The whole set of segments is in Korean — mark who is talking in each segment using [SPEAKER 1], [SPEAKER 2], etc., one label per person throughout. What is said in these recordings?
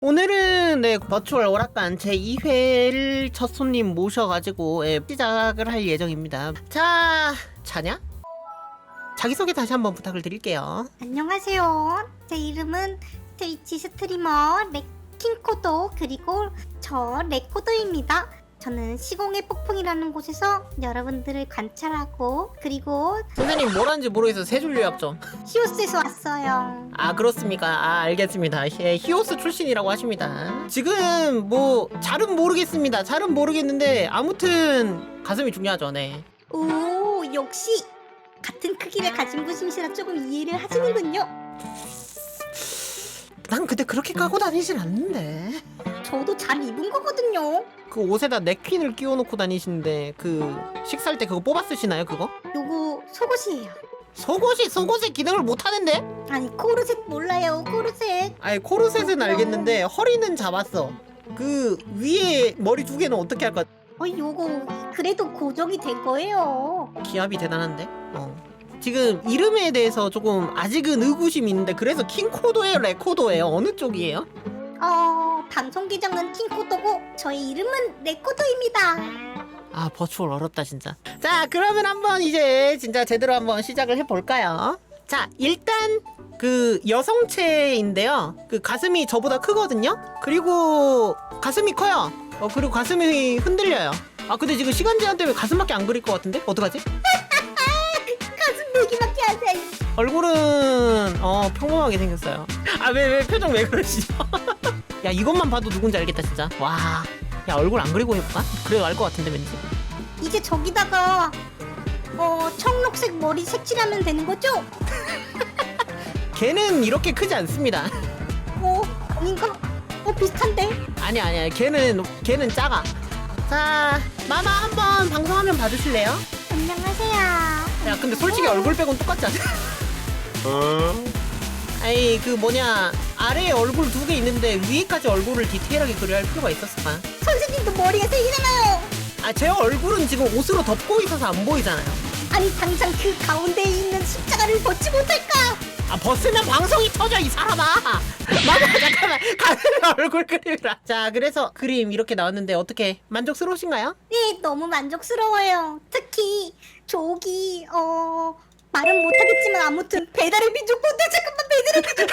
[SPEAKER 1] 오늘은 버추얼 오락관 제2회를 첫 손님 모셔가지고 시작을 할 예정입니다. 자, 자냐? 자기소개 다시 한번 부탁을 드릴게요.
[SPEAKER 2] 안녕하세요. 제 이름은 트위치 스트리머 킹코도 그리고 저 레코도입니다. 저는 시공의 폭풍이라는 곳에서 여러분들을 관찰하고 그리고
[SPEAKER 1] 선생님 뭘 하는지 모르겠어서 세 줄 요약 좀.
[SPEAKER 2] 히오스에서 왔어요.
[SPEAKER 1] 아, 그렇습니까? 아, 알겠습니다. 히오스 출신이라고 하십니다. 지금 뭐 잘은 모르겠습니다. 잘은 모르겠는데 아무튼 가슴이 중요하죠. 네.
[SPEAKER 2] 오, 역시 같은 크기를 가진 분이시라 조금 이해를 하시는군요.
[SPEAKER 1] 난 근데 그렇게 까고 다니진 않는데.
[SPEAKER 2] 저도 잘 입은 거거든요.
[SPEAKER 1] 그 옷에다 넥퀸을 끼워놓고 다니시는데 그 식사할 때 그거 뽑아 쓰시나요? 그거?
[SPEAKER 2] 요거 속옷이에요.
[SPEAKER 1] 속옷의 기능을 못 하는데?
[SPEAKER 2] 아니 코르셋 몰라요. 코르셋.
[SPEAKER 1] 아니 코르셋은 알겠는데 허리는 잡았어. 그 위에 머리 두 개는 어떻게 할까?
[SPEAKER 2] 요거 그래도 고정이 될 거예요.
[SPEAKER 1] 기압이 대단한데? 지금 이름에 대해서 조금 아직은 의구심이 있는데 그래서 킹코도예요? 레코도예요? 어느 쪽이에요?
[SPEAKER 2] 방송 계정은 킹코도고 저의 이름은 레코도입니다.
[SPEAKER 1] 아, 버추얼 어렵다 진짜. 자, 그러면 한번 이제 진짜 제대로 한번 시작을 해볼까요? 자, 일단 그 여성체인데요. 그 가슴이 저보다 크거든요. 그리고 가슴이 커요. 그리고 가슴이 흔들려요. 아, 근데 지금 시간 제한 때문에 가슴밖에 안 그릴 것 같은데? 어떡하지?
[SPEAKER 2] 가슴 얘기밖에 하세요.
[SPEAKER 1] 얼굴은 평범하게 생겼어요. 아, 왜 표정 왜 그러시죠? 야, 이것만 봐도 누군지 알겠다 진짜. 와, 야, 얼굴 안 그리고 해볼까? 그래도 알 것 같은데 왠지.
[SPEAKER 2] 이제 저기다가 청록색 머리 색칠하면 되는 거죠?
[SPEAKER 1] 걔는 이렇게 크지 않습니다.
[SPEAKER 2] 아닌가? 비슷한데?
[SPEAKER 1] 아니야. 걔는 작아. 자, 마마 한번 방송화면 봐주실래요?
[SPEAKER 2] 안녕하세요.
[SPEAKER 1] 야, 근데 솔직히 얼굴 빼곤 똑같지 않아? 아이, 그 뭐냐, 아래에 얼굴 두 개 있는데 위에까지 얼굴을 디테일하게 그려야 할 필요가 있었을까?
[SPEAKER 2] 선생님도 머리가 색이잖아요.
[SPEAKER 1] 아, 제 얼굴은 지금 옷으로 덮고 있어서 안 보이잖아요.
[SPEAKER 2] 아니 당장 그 가운데에 있는 십자가를 벗지 못할까?
[SPEAKER 1] 아, 벗으면 방송이 터져 이 사람아. 마마 잠깐만, 가슴 얼굴 그림이라. 자, 그래서 그림 이렇게 나왔는데 어떻게 만족스러우신가요?
[SPEAKER 2] 네, 너무 만족스러워요. 특히 저기 말은 못하겠지만 아무튼 배달의 민족 꼰대 잠깐만 배달의 민족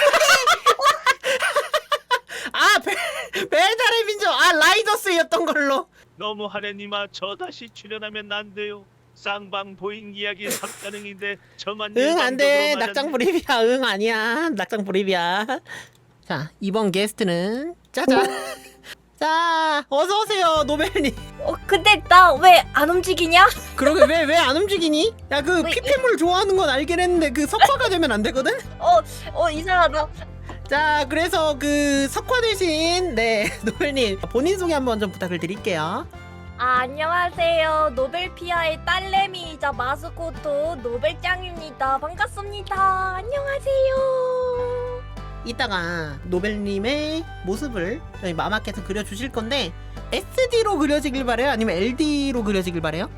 [SPEAKER 1] 아, 배달의 민족, 아, 라이더스였던 걸로.
[SPEAKER 3] 너무 하래님아 저 다시 출연하면 안 돼요. 쌍방 보잉 이야기 삭가능인데 저만
[SPEAKER 1] 응, 안 돼.
[SPEAKER 3] 일방적으로
[SPEAKER 1] 낙장 불입이야. 응, 아니야. 낙장 불입이야. 자, 이번 게스트는 짜잔. 자, 어서 오세요, 노벨님.
[SPEAKER 4] 근데 나 왜 안 움직이냐?
[SPEAKER 1] 그러게 왜 안 움직이니? 야, 그
[SPEAKER 4] 왜,
[SPEAKER 1] 피폐물 좋아하는 건 알긴 했는데 그 석화가 되면 안 되거든?
[SPEAKER 4] 이상하다.
[SPEAKER 1] 자, 그래서 그 석화 대신 노벨님 본인 소개 한번 좀 부탁을 드릴게요.
[SPEAKER 4] 안녕하세요. 노벨피아의 딸내미이자 마스코트 노벨짱입니다. 반갑습니다. 안녕하세요.
[SPEAKER 1] 이따가 노벨님의 모습을 저희 마마께서 그려주실 건데 SD로 그려지길 바래요? 아니면 LD로 그려지길 바래요?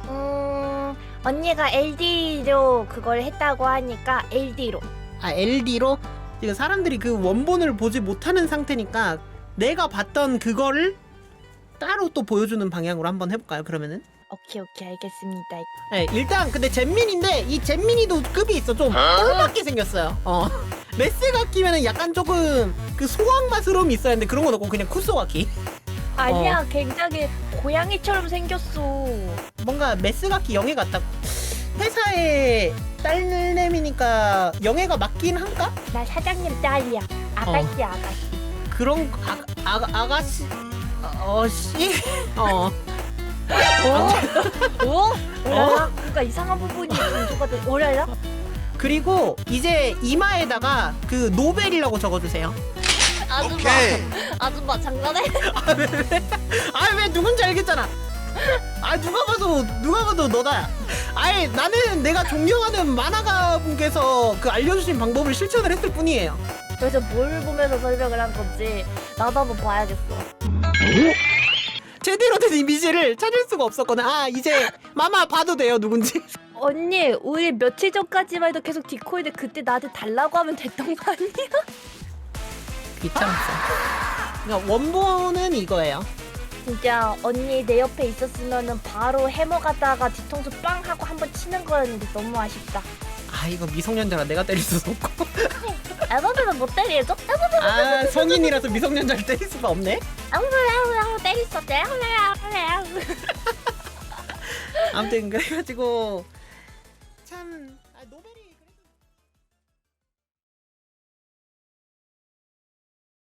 [SPEAKER 4] 언니가 LD로 그걸 했다고 하니까 LD로.
[SPEAKER 1] 아, LD로? 지금 사람들이 그 원본을 보지 못하는 상태니까 내가 봤던 그거를 따로 또 보여주는 방향으로 한번 해볼까요, 그러면은?
[SPEAKER 4] 오케이, 알겠습니다.
[SPEAKER 1] 네, 일단 근데 잼민인데 이 잼민이도 급이 있어. 좀 꼴밖에 생겼어요. 메스가 끼면은 약간 조금 그 소황마스러움이 있어야 하는데 그런 건 없고 그냥 쿠소가 끼.
[SPEAKER 4] 아니야, 굉장히 고양이처럼 생겼어.
[SPEAKER 1] 뭔가 메스가 끼 영애 같다. 회사의 딸내미니까 영애가 맞긴 한가?
[SPEAKER 4] 나 사장님 딸이야. 아가씨.
[SPEAKER 1] 그런 아가씨 씨?
[SPEAKER 4] 뭔가 이상한 부분이 좀 오라야?
[SPEAKER 1] 그리고 이제 이마에다가 그 노벨이라고 적어주세요.
[SPEAKER 4] 아줌마 장난해?
[SPEAKER 1] 왜 누군지 알겠잖아. 누가 봐도 너다. 나는 내가 존경하는 만화가 분께서 그 알려주신 방법을 실천을 했을 뿐이에요.
[SPEAKER 4] 그래서 뭘 보면서 설명을 한 건지 나도 한번 봐야겠어.
[SPEAKER 1] 제대로 된 이미지를 찾을 수가 없었거든. 이제 마마 봐도 돼요, 누군지.
[SPEAKER 4] 언니, 우리 며칠 전까지만 해도 계속 디코인데 그때 나한테 달라고 하면 됐던 거 아니야?
[SPEAKER 1] 귀찮았어. 그러니까 원본은 이거예요.
[SPEAKER 4] 진짜 언니 내 옆에 있었으면은 바로 해머 가다가 뒤통수 빵 하고 한번 치는 거였는데 너무 아쉽다.
[SPEAKER 1] 아 이거 미성년자라 내가 때릴 수도 없고.
[SPEAKER 4] 에버드는 못 때리죠?
[SPEAKER 1] 아 성인이라서 미성년자를 때릴 수가 없네.
[SPEAKER 4] 아무래도 때렸어.
[SPEAKER 1] 아무튼 그래가지고 참 노벨이